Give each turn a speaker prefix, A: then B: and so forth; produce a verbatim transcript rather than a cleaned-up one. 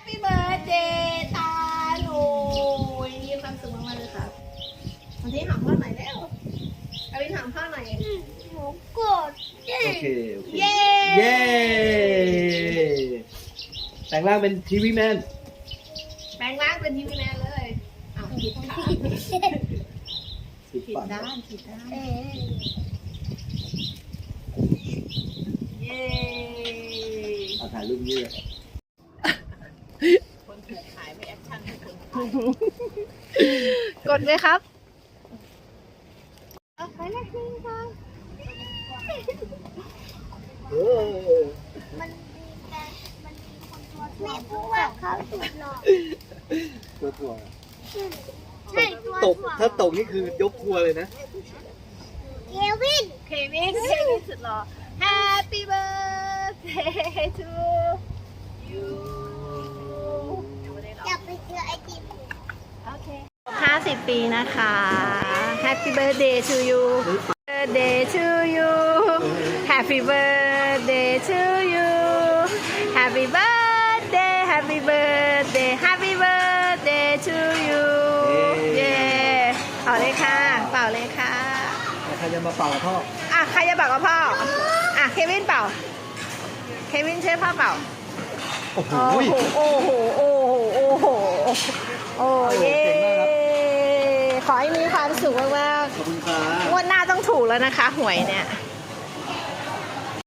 A: ปี้เบิร์ดเดย์ตาหนูมีความสุขมากๆเลยครับวันที่หอมพ่อหน่อยแล้วเอาไปหอมพ่อหน่อยหนูกด
B: โอเคโอเค
A: เย้
B: เย้แต่งร่างเป็นทีวีแมน
A: แปลงร่างเป็นทีวีแมนเลยอ้าวผิดค่ะ
B: ผิด
A: ผิด
B: ฝั่ง
A: ด้านผิดด้านเย้
B: เอาถ่ายรูปนี้เลย
A: คนถือขายไม่แอคชั่นให้คนกดเลยครับเอาไปเลยนี่ค่ะ
B: เออ
C: มันมีแต่มันมีคนตัวถ่วงพูดว่าเขาสุดหล่อ
B: ตัวถ่วง
C: ใช่ตัว
B: ตก
C: ถ่วง
B: ถ้าตกนี่คือยกทัวร์เลยนะ
C: เควิน
A: เควินเควินสุดหล่อ Happy birthday to you
C: อยากไปเจอไอติม
A: โอเคห้าสิบปีนะคะ Happy birthday to you birthday to you Happy birthday to you Happy birthday Happy birthday Happy birthday to you เย้เป่าเลยค่ะเป่าเลยค่ะ
B: ใครจะมาเป่ากับพ่อ
A: อ่ะใครจะเป่ากับพ่ออ่ะเควินเป่าเควินช่วยพ่อเป่า
B: โอ้โห
A: โอ้โห โอ้โห โอ้โห โอ้โห โอ้เย้ขอให้มีความสุขมาก
B: ขอบคุณครั
A: ๆง
B: บ
A: วดหน้าต้องถูกแล้วนะคะ หวยเนี่ย